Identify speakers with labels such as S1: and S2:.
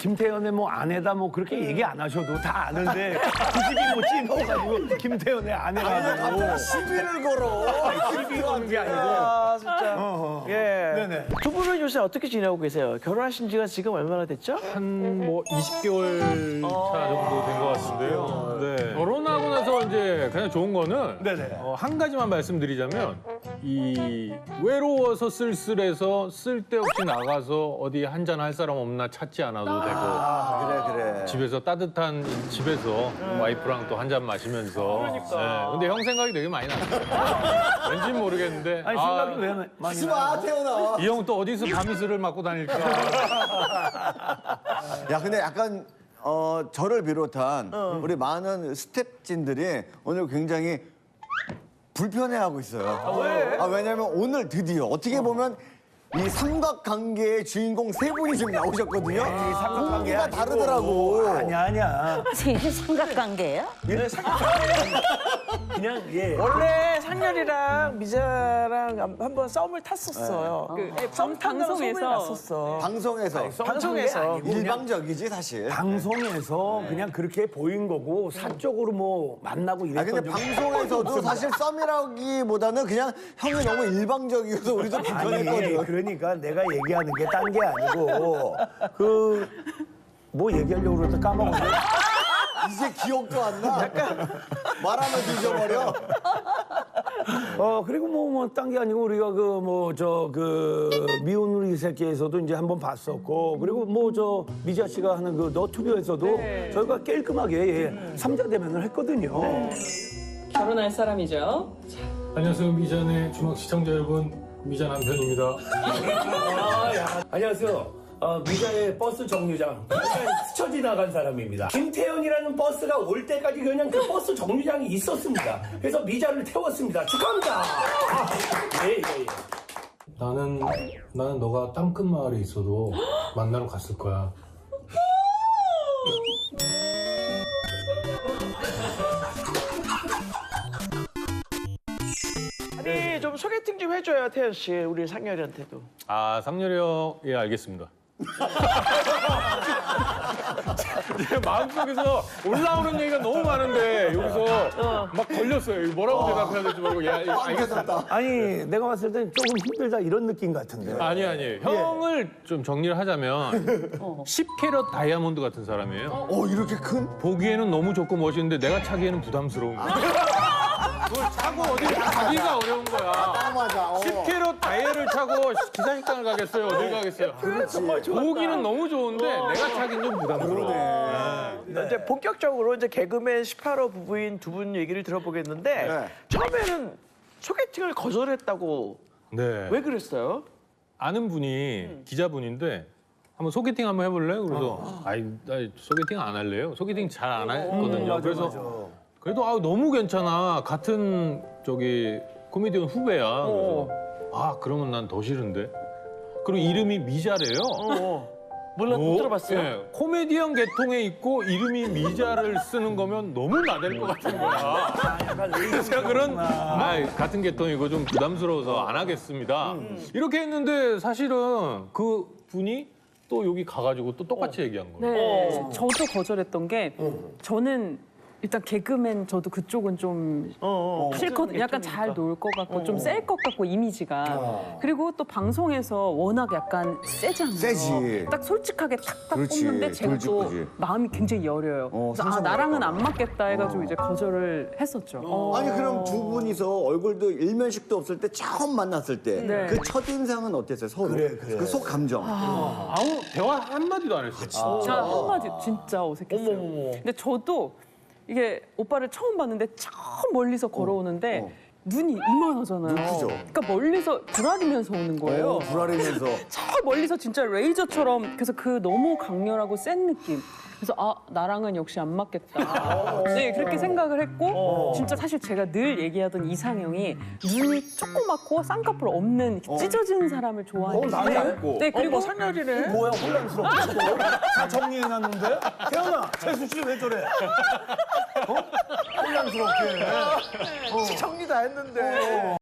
S1: 김태현의 뭐 아내다 뭐 그렇게 얘기 안 하셔도 다 아는데 굳이 뭐 찝어가지고 김태현의 아내라고
S2: 시비를 걸어.
S1: 시비 거는 게 아니고.
S3: 아, 진짜. 예.
S1: 네네.
S3: 두 분은 요새 어떻게 지내고 계세요? 결혼하신 지가 지금 얼마나 됐죠?
S4: 한 뭐 20개월 차 정도 된 것 같은데요. 네. 결혼하고 나서 이제 그냥 좋은 거는
S1: 네네.
S4: 한 가지만 말씀드리자면 이 외로워서 쓸쓸해서 쓸데없이 나가서 어디 한잔 할 사람 없나 찾지 않아도 되고
S2: 그래.
S4: 집에서 따뜻한 집에서 와이프랑 또 한 잔 마시면서. 네. 근데 형 생각이 되게 많이 났어요. 왠지 모르겠는데
S1: 아니 생각이 왜 많이
S2: 하지
S1: 나요?
S2: 마, 태연아.
S4: 이 형 또 어디서 밤이슬을 맞고 다닐까.
S2: 야, 근데 약간 저를 비롯한 우리 많은 스태프진들이 오늘 굉장히 불편해하고 있어요.
S3: 왜?
S2: 왜냐면 오늘 드디어 어떻게 보면 이 삼각관계의 주인공 세 분이 지금 나오셨거든요.
S1: 삼각관계가
S2: 공기가 다르더라고.
S1: 아니야.
S5: 이게 삼각관계예요?
S1: 그냥 예.
S3: 원래 상렬이랑 미자랑 한번 썸을 탔었어요. 썸 탄다고 소문이 났었어.
S2: 방송에서.
S3: 방송에서.
S2: 일방적이지 사실.
S1: 방송에서 그냥 그렇게 보인 거고 사적으로 뭐 만나고 이랬던
S2: 근데
S1: 적이
S2: 방송에서도 사실 썸이라기보다는 그냥 형이 너무 일방적이어서 우리도 불편했거든.
S1: 그러니까 내가 얘기하는 게 딴 게 아니고 그 뭐 얘기하려고 그러다 까먹었네.
S2: 이제 기억도 안 나. 말하면 잊어버려.
S1: 그리고 뭐 딴 게 아니고 우리가 그 미운 우리 새끼에서도 이제 한번 봤었고 그리고 뭐 저 미자 씨가 하는 그 너튜브에서도 저희가 깔끔하게 삼자 대면을 했거든요.
S6: 결혼할 사람이죠.
S4: 안녕하세요. 미잔의 주막 시청자 여러분. 미잔 남편입니다.
S1: 안녕하세요. 미자의 버스 정류장 스쳐 지나간 사람입니다. 김태현이라는 버스가 올 때까지 그냥 그 버스 정류장이 있었습니다. 그래서 미자를 태웠습니다. 축하합니다. 예.
S4: 나는 너가 땅끝 마을에 있어도 만나러 갔을 거야.
S3: 아니, 좀 소개팅 좀 해줘요, 태연 씨. 우리 상렬이한테도.
S4: 아, 상렬이 형, 예, 알겠습니다. 제 마음속에서 올라오는 얘기가 너무 많은데 여기서 막 걸렸어요. 이거 뭐라고 대답해야 될지 모르고 예, 알겠습니다.
S1: 아니 내가 봤을 땐 조금 힘들다 이런 느낌 같은데.
S4: 아니 형을 좀 정리를 하자면 10캐럿 다이아몬드 같은 사람이에요.
S2: 이렇게 큰?
S4: 보기에는 너무 좋고 멋있는데 내가 차기에는 부담스러운 거야. 그걸 차고 어디 가기가 어려운 거야.
S2: 맞아.
S4: 10캐럿 다이아를 차고 기사식당을 가겠어요? 어딜 가겠어요? 보기는 너무 좋은데 내가 차기는 좀 부담스러워.
S3: 이제 본격적으로 이제 개그맨 18호 부부인 두 분 얘기를 들어보겠는데
S2: 네.
S3: 처음에는 소개팅을 거절했다고
S4: 네.
S3: 왜 그랬어요?
S4: 아는 분이 기자분인데 한번 소개팅 한번 해볼래? 그래서 나 소개팅 안 할래요. 소개팅 잘 안 하거든요. 그래서 그래도 너무 괜찮아. 같은 저기 코미디언 후배야. 그래서 그러면 난 더 싫은데. 그리고 이름이 미자래요.
S3: 몰라 못 들어봤어요.
S4: 네, 코미디언 계통에 있고 이름이 미자를 쓰는 거면 너무 나댈 것 같은 거야. 그래서 그런 같은 계통이고 좀 부담스러워서 안 하겠습니다. 이렇게 했는데 사실은 그 분이 또 여기 가가지고 또 똑같이 얘기한 거예요.
S6: 네. 저도 거절했던 게 저는 일단 개그맨 저도 그쪽은 좀 싫거든요. 약간 잘 놀 것 같고 좀 셀 것 같고 이미지가. 그리고 또 방송에서 워낙 약간 세잖아요.
S2: 세지.
S6: 딱 솔직하게 탁탁
S2: 그렇지.
S6: 뽑는데 제가 또
S2: 돌직구지.
S6: 마음이 굉장히 여려요. 그래서
S2: 상처받을까
S6: 나랑은
S2: 봐.
S6: 안 맞겠다 해가지고 이제 거절을 했었죠.
S2: 아니 그럼 두 분이서 얼굴도 일면식도 없을 때 처음 만났을 때
S6: 네.
S2: 그 첫인상은 어땠어요? 서로?
S1: 그래.
S2: 그 속 감정.
S4: 아무 대화 한마디도 안 했어.
S6: 진짜 한마디 진짜 어색했어요. 근데 저도 이게 오빠를 처음 봤는데 저 멀리서 걸어오는데 눈이 이만하잖아요.
S2: 크죠.
S6: 그러니까 멀리서 불알이면서 오는 거예요.
S2: 불알이면서.
S6: 저 멀리서 진짜 레이저처럼 그래서 그 너무 강렬하고 센 느낌. 그래서 나랑은 역시 안 맞겠다. 네 그렇게 생각을 했고 진짜 사실 제가 늘 얘기하던 이상형이 눈이 조그맣고 쌍꺼풀 없는 찢어지는 사람을 좋아해요.
S1: 나도 알고.
S6: 네 그리고
S3: 상렬이네.
S1: 뭐야 혼란스럽게 또? 다 정리해놨는데? 태연아 최수 씨 왜 저래? 혼란스럽게.
S3: 정리 다 했는데.